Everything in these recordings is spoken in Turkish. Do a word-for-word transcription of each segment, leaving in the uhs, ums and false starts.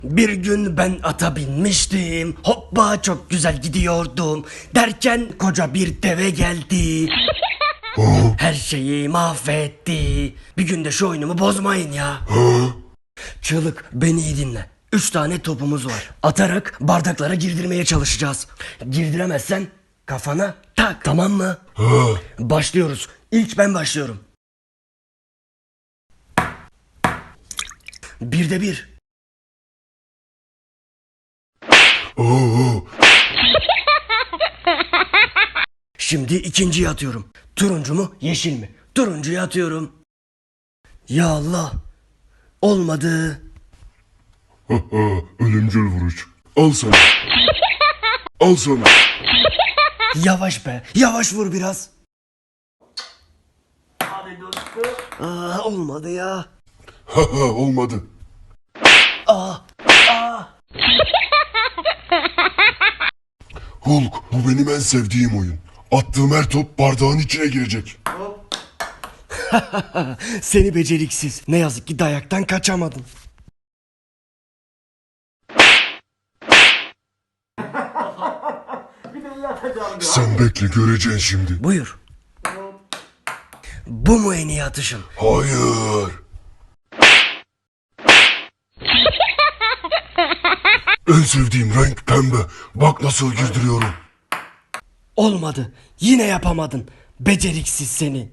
Bir gün ben ata binmiştim, hoppa çok güzel gidiyordum. Derken koca bir deve geldi. Her şeyi mahvetti. Bir günde şu oyunumu bozmayın ya. Çığlık, beni iyi dinle. Üç tane topumuz var. Atarak bardaklara girdirmeye çalışacağız. Girdiremezsen kafana tak, tamam mı? Başlıyoruz. İlk ben başlıyorum. Birde bir. Oo, Şimdi ikinciyi atıyorum. Turuncu mu, yeşil mi? Turuncuyu atıyorum. Ya Allah. Olmadı. ha, ha, ölümcül vuruş. Al sana. Al sana. Yavaş be. Yavaş vur biraz. Hadi dostum. Aa, olmadı ya. Ha ha, olmadı. Aa, aa. Hulk, bu benim en sevdiğim oyun. Attığım her top bardağın içine girecek. Seni beceriksiz. Ne yazık ki dayaktan kaçamadın. Sen bekle, göreceksin şimdi. Buyur. Bu mu en iyi atışın? Hayır. En sevdiğim renk pembe. Bak nasıl girdiriyorum. Olmadı. Yine yapamadın. Beceriksiz seni.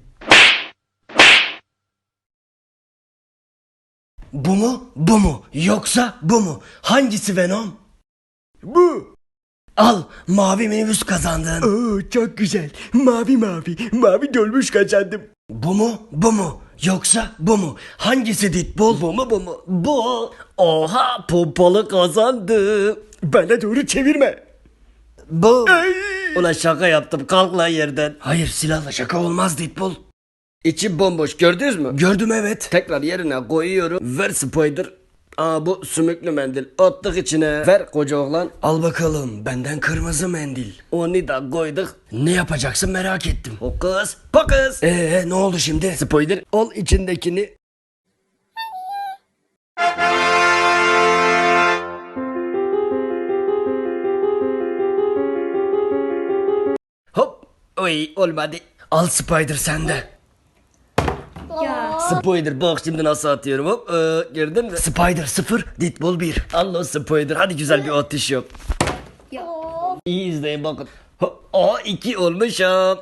Bu mu? Bu mu? Yoksa bu mu? Hangisi Venom? Bu. Al, mavi minibüs kazandın. Oo, çok güzel. Mavi mavi. Mavi dolmuş kazandım. Bu mu? Bu mu? Yoksa bu mu? Hangisi Deadpool? Bu mu bu mu? Bu. Oha, pompalı kazandı. Bana doğru çevirme. Bu. Ulan şaka yaptım, kalk lan yerden. Hayır, silahla şaka olmaz Deadpool. İçi bomboş, gördünüz mü? Gördüm, evet. Tekrar yerine koyuyorum. Ver Spider. Aa, bu sümüklü mendil. Attık içine. Ver koca oğlan. Al bakalım, benden kırmızı mendil. Onu da koyduk. Ne yapacaksın merak ettim. Hokus pokus. Ee, ne oldu şimdi? Spider, al içindekini. Hop. Oy, olmadı. Al Spider sende. Spider, bak şimdi nasıl atıyorum. Hop. Ee, gördün mü? Spider sıfır, Deadpool bir. Allah Spider, hadi güzel bir atış yap. İyi izleyin bakın. Hop. Aa, iki olmuşum.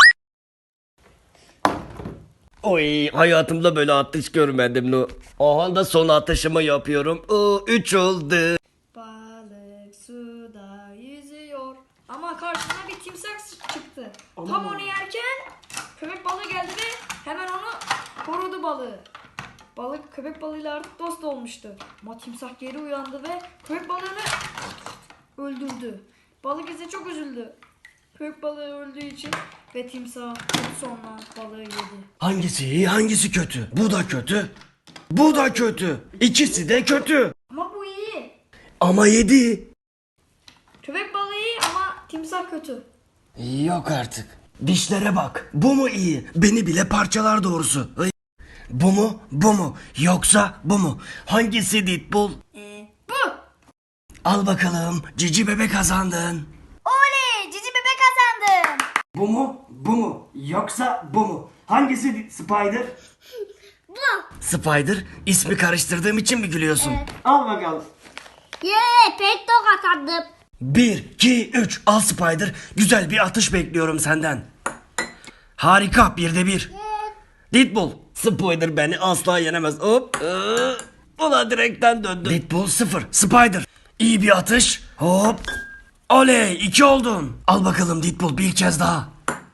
Oy, hayatımda böyle atış görmedim lo. Aha da son atışımı yapıyorum. Oo, üç oldu. Balık suda yüzüyor ama karşısına bir timsah çıktı. Tam onu yerken köpek balığı geldi ve hemen onu korudu balığı. Balık köpek balığıyla artık dost olmuştu. Ama timsah geri uyandı ve köpek balığını öldürdü. Balık ise çok üzüldü. Köpek balığı öldüğü için ve timsah sonra balığı yedi. Hangisi iyi, hangisi kötü? Bu da kötü. Bu da kötü. İkisi de kötü. Ama bu iyi. Ama yedi. Köpek balığı iyi ama timsah kötü. Yok artık. Dişlere bak. Bu mu iyi? Beni bile parçalar doğrusu. Ay. Bu mu? Bu mu? Yoksa bu mu? Hangisi Deadpool? Ee, bu. Al bakalım. Cici bebek kazandın. Oley! Cici bebek kazandım. Bu mu? Bu mu? Yoksa bu mu? Hangisi Spider? Bu. Spider, ismi karıştırdığım için mi gülüyorsun? Al bakalım. Yeee pek tok kazandım. Bir, iki, üç. Al Spider. Güzel bir atış bekliyorum senden. Harika, birde bir. Deadpool. Spider beni asla yenemez. Hop. Ee, Ulan direkten döndü. Deadpool sıfır. Spider. İyi bir atış. Hop. Oley, iki oldun. Al bakalım Deadpool, bir kez daha.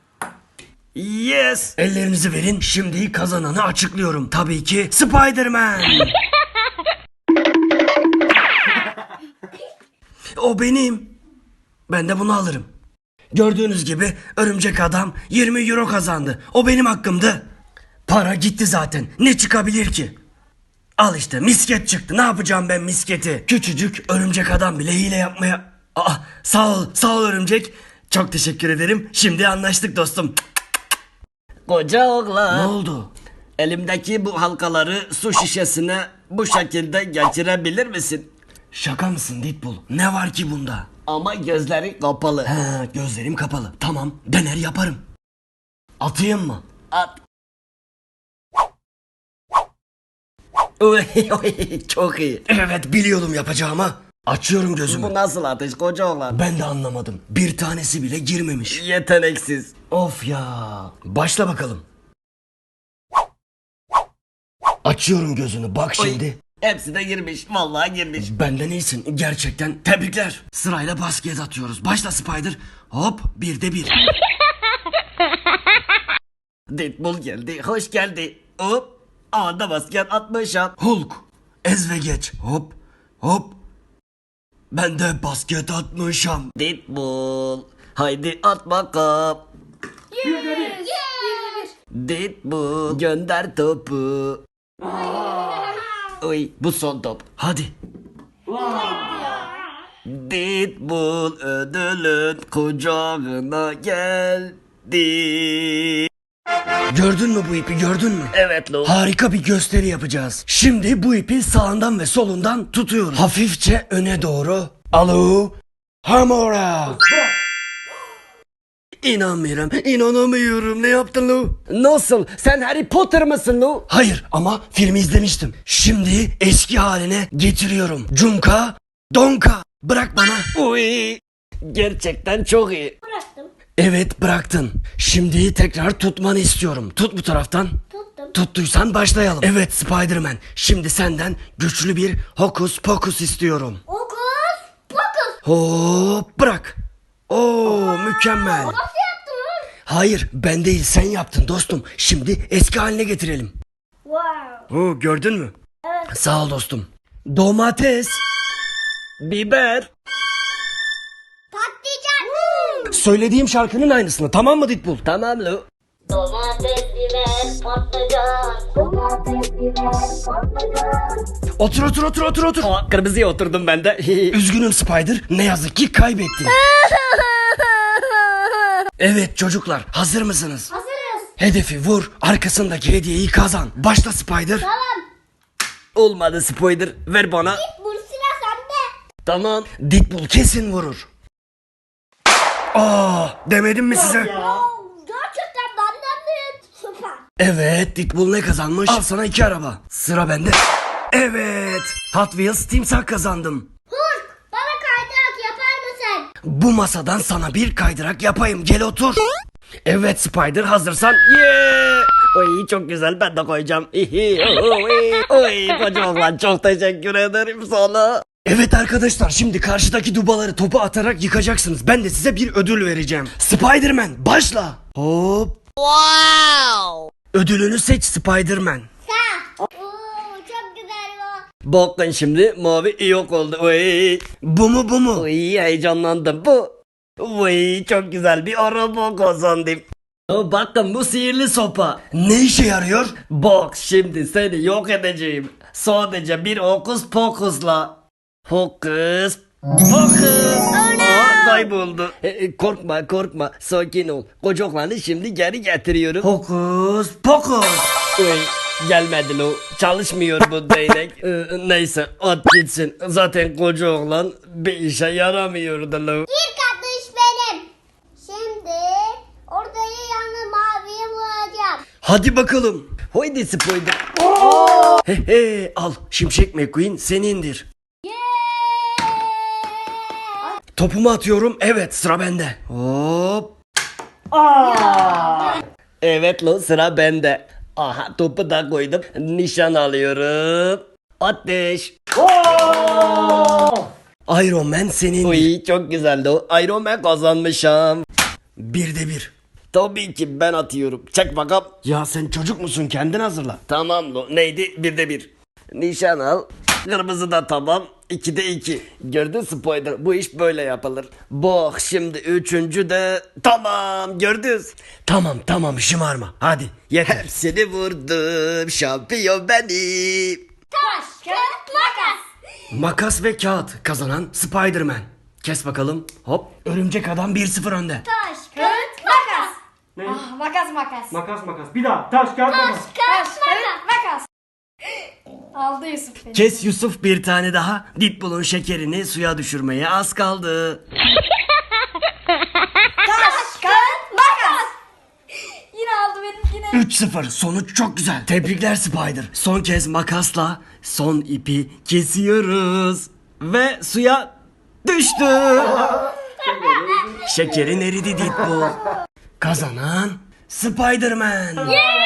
Yes. Ellerinizi verin. Şimdi kazananı açıklıyorum. Tabii ki Spider-Man. O benim. Ben de bunu alırım. Gördüğünüz gibi örümcek adam yirmi euro kazandı. O benim hakkımdı. Para gitti zaten. Ne çıkabilir ki? Al işte, misket çıktı. Ne yapacağım ben misketi? Küçücük örümcek adam bile hile yapmaya... Aa, sağ ol, sağ ol örümcek. Çok teşekkür ederim. Şimdi anlaştık dostum. Koca oğlan. Ne oldu? Elimdeki bu halkaları su şişesine bu şekilde geçirebilir misin? Şaka mısın Deadpool? Ne var ki bunda? Ama gözleri kapalı. He, gözlerim kapalı. Tamam, dener yaparım. Atayım mı? At. Oy, oy, çok iyi. Evet, biliyordum yapacağımı. Açıyorum gözümü. Bu nasıl atış koca oğlan? Ben de anlamadım. Bir tanesi bile girmemiş. Yeteneksiz. Of ya. Başla bakalım. Açıyorum gözünü. Bak Oy, şimdi. hepsi de girmiş. Vallahi girmiş. Benden iyisin. Gerçekten tebrikler. Sırayla basket atıyoruz. Başla Spider. Hop, bir de bir. Deadpool geldi. Hoş geldi. Hop. Anda basket atmışım. Hulk. Ez ve geç. Hop. Hop. Ben de basket atmışım. Deadpool. Haydi at bakalım. Yes. Bir de bir. Deadpool. Gönder topu. Oy, bu son top. Hadi. Deadpool ödülün kucağına geldi. Gördün mü bu ipi, gördün mü? Evet lo. Harika bir gösteri yapacağız. Şimdi bu ipi sağından ve solundan tutuyoruz. Hafifçe öne doğru. Alo. Hamora. İnanmıyorum, inanamıyorum. Ne yaptın Lu? Nasıl? Sen Harry Potter mısın lo? Hayır ama filmi izlemiştim. Şimdi eski haline getiriyorum. Cunka, donka. Bırak bana. Uy. Gerçekten çok iyi. Bıraktım. Evet, bıraktın. Şimdi tekrar tutmanı istiyorum. Tut bu taraftan. Tuttum. Tuttuysan başlayalım. Evet Spider-Man. Şimdi senden güçlü bir hokus pokus istiyorum. Okus pokus. Hop, bırak. Oo, mükemmel. Nasıl yaptın lan? Hayır, ben değil, sen yaptın dostum. Şimdi eski haline getirelim. Wow. Oo, gördün mü? Evet. Sağ ol dostum. Domates. Biber. Patlıcan. Söylediğim şarkının aynısını, tamam mı Deadpool? Tamam lo. Domates, biber, patlıcan. Domates, biber, patlıcan. Otur otur otur otur otur. Aa, kırmızıya oturdum ben de. Üzgünüm Spider, ne yazık ki kaybettin. Evet çocuklar, hazır mısınız? Hazırız. Hedefi vur, arkasındaki hediyeyi kazan. Başla Spider. Tamam. Olmadı Spider. Ver bana. Bu silah sende. Tamam. Deadpool kesin vurur. Aa, demedim mi size? Oo, gerçekten benden büyük. Süper. Evet, Deadpool ne kazanmış? Al sana iki araba. Sıra bende. Evet, Hot Wheels timsah kazandım. Hulk, bana kaydırak yapar mısın? Bu masadan sana bir kaydırak yapayım, gel otur. Evet Spider, hazırsan. Yeah. Oy çok güzel, ben de koyacağım. Hihi, oy, oy koca oğlan, çok teşekkür ederim sana. Evet arkadaşlar, şimdi karşıdaki dubaları topu atarak yıkacaksınız. Ben de size bir ödül vereceğim. Spider-Man başla. Hop. Wow. Ödülünü seç Spider-Man. Sağ. Oo, çok güzel bu. Bakın şimdi mavi yok oldu. Oy. Bu mu bu mu? Oy heyecanlandım. Bu. Oy çok güzel bir araba kazandım. O, bakın bu sihirli sopa. Ne işe yarıyor? Bak şimdi seni yok edeceğim. Sadece bir hokus pokusla. Hokus pokus. Aa, kayboldu. E, e, korkma korkma, sakin ol. Koca oğlanı şimdi geri getiriyorum. Hokus pokus. Oy, gelmedi lo. Çalışmıyor bu değnek. E, neyse at gitsin. Zaten koca oğlan bir işe yaramıyordu lo. İlk atış benim. Şimdi ortayı yanına maviye vuracağım. Hadi bakalım. Haydi Spider. He he, al Şimşek McQueen senindir. Topumu atıyorum. Evet, sıra bende. Hop. Evet lo, sıra bende. Aha topu da koydum. Nişan alıyorum. Ateş. Iron Man senindir. Uy çok güzeldi o. Iron Man kazanmışım. Bir de bir. Tabii ki ben atıyorum. Çek bakalım. Ya sen çocuk musun? Kendin hazırla. Tamam lo. Neydi? Bir de bir. Nişan al. Kırmızı da tamam. İki de iki. Gördün Spider. Bu iş böyle yapılır. Bak şimdi üçüncü de tamam. Gördünüz. Tamam tamam, şımarma. Hadi yeter. Hepsini vurdum. Şampiyon benim. Taş, kağıt, makas. Makas ve kağıt kazanan Spider-Man. Kes bakalım. Hop. Örümcek adam bir sıfır önde. Taş, kağıt, makas. Ah, makas makas. Makas makas. Bir daha. Taş kağıt makas. Taş, kağıt, makas. Aldı Yusuf beni. Kes Yusuf bir tane daha. Deadpool'un şekerini suya düşürmeye az kaldı. Taş, kağıt, makas. Yine aldı benimkine. üç sıfır. Sonuç çok güzel. Tebrikler Spider. Son kez makasla son ipi kesiyoruz. Ve suya düştü. Şekerin eridi Deadpool. Kazanan Spider-Man.